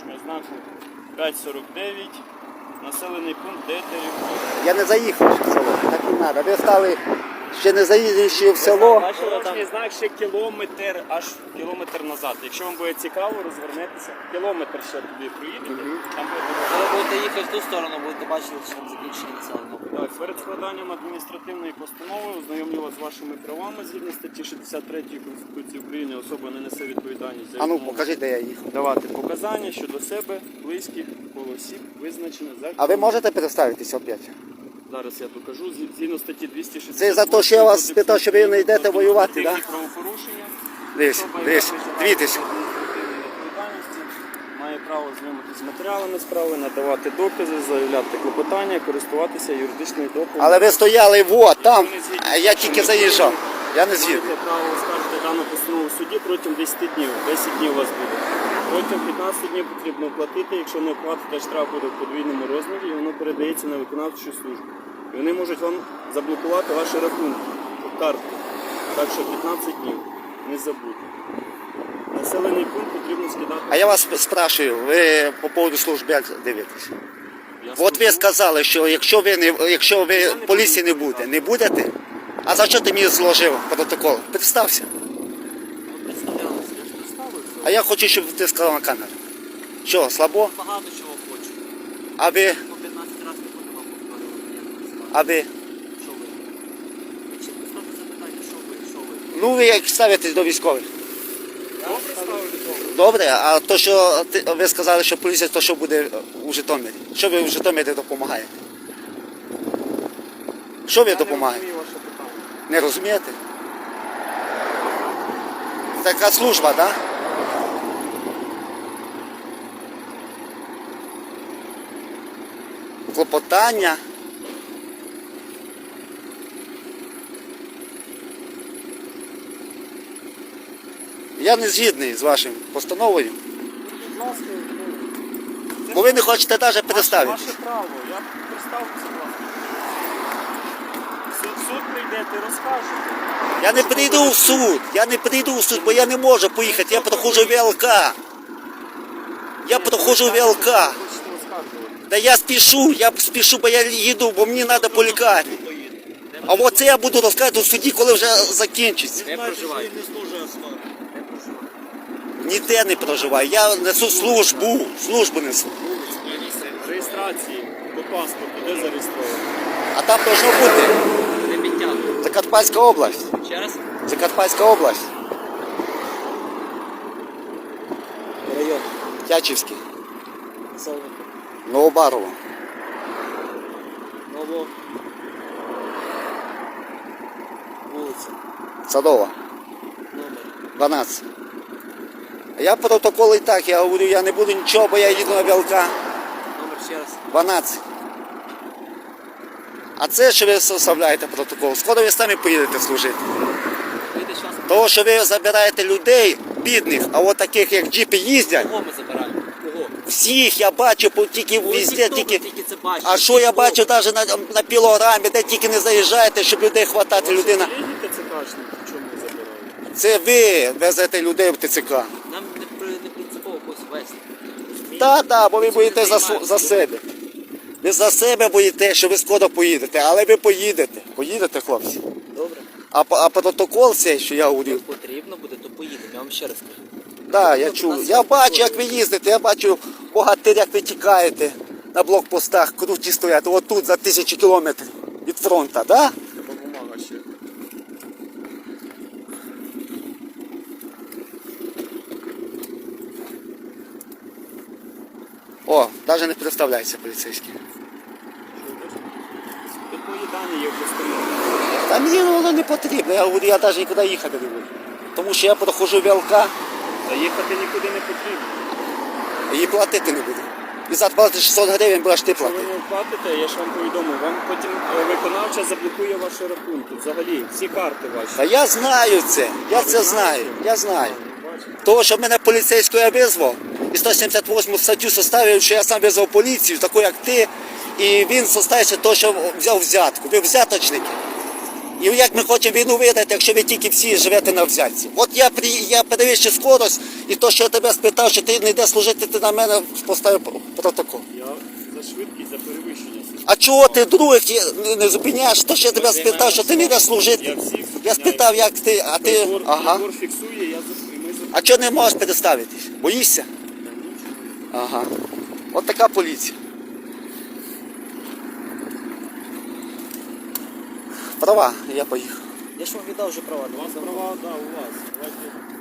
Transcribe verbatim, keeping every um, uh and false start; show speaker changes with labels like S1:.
S1: дорожнього знаку п'ять сорок дев'ять, населений пункт Детерівка.
S2: Я не заїхав в село, так не треба. Ви стали ще не заїздивши в село.
S1: Дорожній знак ще кілометр, аж кілометр назад. Якщо вам буде цікаво, розвернетеся. Кілометр ще туди проїдете. Там буде
S3: Коли будете їхати в ту сторону, будете бачити, що там закінчення населеного пункту.
S1: так, перед складанням адміністративної постанови ознайомлю вас з вашими правами згідно статті шістдесят третьої Конституції України. Особа не несе відповідальність за
S2: А ну
S1: відмову
S2: покажи, де я їхав.
S1: давати показання щодо себе, близьких, коло осіб, визначене законом.
S2: А ви можете представитися опять?
S1: Зараз я покажу. Згідно статті двісті шістдесят.
S2: Це за те, що я вас спитав, що ви не йдете воювати, так?
S1: Да? Правопорушення.
S2: Дивись,
S1: Особа,
S2: дивись,
S1: яка
S2: дивіться.
S1: притягнута до адміністративної відповідальності, має право знайомитися з матеріалами справи, надавати докази, заявляти клопотання, користуватися юридичною допомогою.
S2: Але ви стояли вот там, а я тільки заїжджав. Я не згідний.
S1: Маєте право оскаржити дану постанову в суді протягом десяти днів. десять днів у вас буде. Протягом п'ятнадцяти днів потрібно оплатити. Якщо не оплатите, штраф буде в подвійному розмірі і воно передається на виконавчу службу. І вони можуть вам заблокувати ваші рахунки, картку. Так що п'ятнадцять днів. Не забудьте. Населений пункт потрібно скидати.
S2: А я вас спрашиваю, ви по поводу служби як дивитесь?
S1: Я
S2: От ви
S1: скажу,
S2: сказали, що якщо ви не якщо ви поліції не буде, не будете? А за що ти мені зложив протокол? Представся.
S1: представлялися, я ж представився.
S2: А я хочу, щоб ти сказав на камеру. Що, слабо?
S3: Багато чого хочу.
S2: А ви,
S3: По п'ятнадцять разів не буду вам повторювати, як ви сказали.
S2: а ви?
S3: Що ви? Ви чітко ставте запитання, що ви, що ви.
S2: Ну ви як ставитесь до військових?
S1: Добре ставити.
S2: Добре, а то, що ти, ви сказали, що поліція, то що буде у Житомирі? Що ви у Житомирі допомагаєте? Що ви
S1: Я не
S2: допомагаєте?
S1: розумію ваше питання.
S2: Не розумієте? Така служба, так? Да? Клопотання. Я не згідний з вашим постановою,
S1: Будь ласка, ну,
S2: бо ви не хочете навіть представити.
S1: Ваше право, я представлюся, будь ласка. Суд, суд прийдете, розкажете.
S2: Я не прийду в суд, я не прийду в суд, бо я не можу поїхати, я проходжу ВЛК. Я проходжу ВЛК.
S1: Хочете розказувати.
S2: Да я спішу, я спішу, бо я їду, бо мені треба по лікарні. А от це я буду розказувати у суді, коли вже закінчиться.
S3: Де проживаєте?
S1: Не служить асфальт.
S3: Де проживаєте?
S2: Ніде не проживаю, я несу службу, службу несу.
S1: Реєстрації по паспорту, де зареєстровано?
S2: А там должно бути
S3: Де підтягнути?
S2: Закарпатська область.
S3: Ще раз?
S2: Закарпатська область.
S3: Район.
S2: Тячівський.
S3: Населений.
S2: Новобарово.
S3: Ново. Вулиця.
S2: Садова.
S3: Номер.
S2: дванадцять. Я протокол і так, я говорю, я не буду нічого, бо я їду на ВЛК.
S3: Номер ще раз.
S2: дванадцять. А це, що ви составляєте протокол, скоро ви самі поїдете служити.
S3: Вийде час.
S2: Того, що ви забираєте людей, бідних, а от таких, як джипи їздять,
S3: Кого ми забираємо? Кого?
S2: всіх я бачу, по- тільки
S3: Ну,
S2: везде,
S3: ніхто
S2: тільки...
S3: тільки це бачить.
S2: А що я
S3: Ніхто.
S2: бачу навіть на, на пілограмі, де тільки не заїжджаєте, щоб людей хватати, людина.
S1: Легіте це кажете, в чому забирають?
S2: Це ви везете людей в ТЦК.
S3: Нам не, при- не принципово когось вести.
S2: Так, так, бо ви боїтесь за, су- за себе. Ви за себе боїте, що ви скоро поїдете, але ви поїдете. Поїдете, хлопці.
S3: Добре?
S2: А, по- а протокол цей, що я говорю,
S3: Як потрібно буде, то поїдемо. Я вам ще раз кажу.
S2: так, я чую. Я бачу, як ви їздите, я бачу богатир, як ви тікаєте на блокпостах, круті стоять, отут за тисячі кілометрів від фронту, так? Да?
S1: Треба бумага ще.
S2: О, навіть не представляється поліцейський.
S1: Тут мої дані є в постанові.
S2: Та мені воно не потрібно, я говорю, я навіть нікуди їхати не буду. Тому що я проходжу ВЛК,
S1: Та їхати нікуди не потрібно.
S2: і платити не буду. І заплатити шістсот гривень будеш ти
S1: Якщо ви
S2: платити.
S1: не платите, я ж вам повідомив, вам потім е, виконавча заблокує ваші рахунки. Взагалі, всі карти ваші.
S2: Та я знаю це, я це знаю, я знаю.
S1: Ну, бачите.
S2: Того, що мене поліцейською я визвав, і сто сімдесят восьму статтю составив, що я сам визвав поліцію, таку як ти, і він составився того, що взяв взятку. Ви взяточники. І як ми хочемо війну виграти, якщо ви тільки всі живете на взятці? От я при я перевищив скорость, і то, що я тебе спитав, що ти не йдеш служити, ти на мене поставив протокол.
S1: Я за швидкість, за перевищення.
S2: А чого ти других є- не- не зупиняєш? То, що я тебе спитав, що ти не йдеш служити.
S1: Я всіх
S2: Я
S1: зупиняю.
S2: спитав, як ти, а ти.
S1: Прибор,
S2: Ага.
S1: прибор фіксує, я зупиняю. Ми зупиняємо.
S2: А чого не можеш переставитись? Боїшся? Ага. От така поліція. Права, я поїхав.
S3: Я ж вам віддав вже права.
S1: У вас права, да, у вас. Давайте.